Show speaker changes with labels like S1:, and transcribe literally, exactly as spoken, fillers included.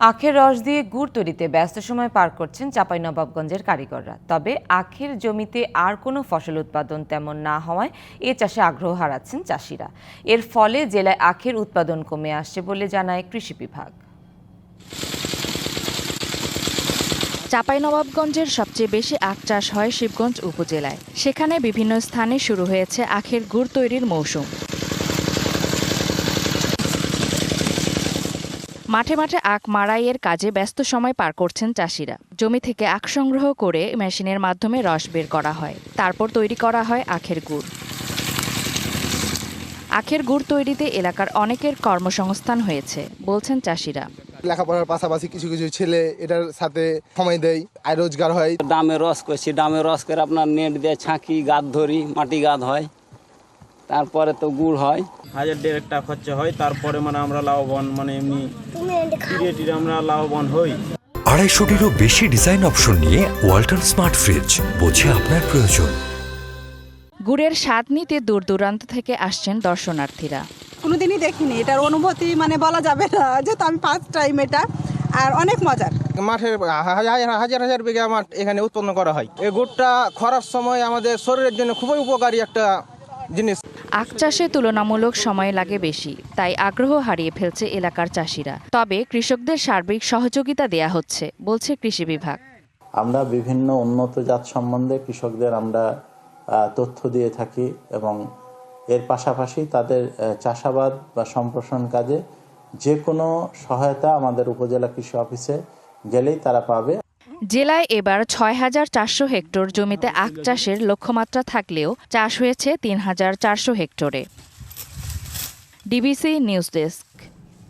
S1: আখের রস দিয়ে গুড় তৈরিতে ব্যস্ত সময় পার করছেন চাঁপাইনবাবগঞ্জের কারিগররা। তবে আখের জমিতে আর কোনো ফসল উৎপাদন তেমন না হওয়ায় এ চাষে আগ্রহ হারাচ্ছেন চাষিরা। এর ফলে জেলায় আখের উৎপাদন কমে আসছে বলে জানায় কৃষি বিভাগ।
S2: চাঁপাইনবাবগঞ্জের সবচেয়ে বেশি আখ চাষ হয় শিবগঞ্জ উপজেলায়। সেখানে বিভিন্ন স্থানে শুরু হয়েছে আখের গুড় তৈরির মৌসুম। মাঠে মাঠে আখ মাড়াইয়ের কাজে ব্যস্ত সময় পার করছেন চাষিরা। জমি থেকে আখ সংগ্রহ করে মেশিনের মাধ্যমে রস বের করা হয়, তারপর তৈরি করা হয় আখের গুড়। আখের গুড় তৈরিতে এলাকার অনেকের কর্মসংস্থান হয়েছে বলছেন চাষিরা।
S3: লেখাপড়ার পাশাপাশি কিছু কিছু ছেলে এটার সাথে সময় দেয়, আয় রোজগার হয়।
S4: ডামে রস করছি, ডামে রস করে আপনার নেট দিয়ে ছাঁকি গাদ ধরি, মাটি গাদ হয়, তারপরে তো গুড় হয়।
S5: হাজার দেড়েক টাকা খরচা হয়, তারপরে মানে আমরা লাভবান, মানে এমনি টিরে টিরে আমরা লাভবান হই।
S6: আড়াইশোটিরও বেশি ডিজাইন অপশন নিয়ে ওয়ালটন স্মার্ট ফ্রিজ, বোঝে আপনার প্রয়োজন।
S2: গুড়ের স্বাদ নিতে দূর দূরান্ত থেকে আসছেন দর্শনার্থীরা।
S7: কোনোদিনই দেখিনি, এটার অনুভূতি মানে বলা যাবে না, যেহেতু আমি ফার্স্ট টাইম এটা, আর অনেক মজার।
S3: মাঠের হাজার হাজার হাজার বিঘা মাঠ এখানে উৎপন্ন করা হয়। এই গুড়টা খরার সময় আমাদের শরীরের জন্য খুবই উপকারী একটা জিনিস।
S2: আখ চাষে তুলনামূলক সময় লাগে বেশি, তাই আগ্রহ হারিয়ে ফেলছে এলাকার চাষিরা। তবে কৃষকদের সার্বিক সহযোগিতা দেয়া হচ্ছে বলছে কৃষি বিভাগ।
S8: আমরা বিভিন্ন উন্নত জাত সম্বন্ধে কৃষকদের আমরা তথ্য দিয়ে থাকি এবং এর পাশাপাশি তাদের চাষাবাদ বা সম্প্রসারণ কাজে যে কোনো সহায়তা আমাদের উপজেলা কৃষি অফিসে গেলেই তারা পাবে।
S2: জেলায় এবার ছয় হাজার চারশো হেক্টর জমিতে আখ চাষের লক্ষ্যমাত্রা থাকলেও চাষ হয়েছে তিন হাজার চারশো হেক্টরে। DBC news desk.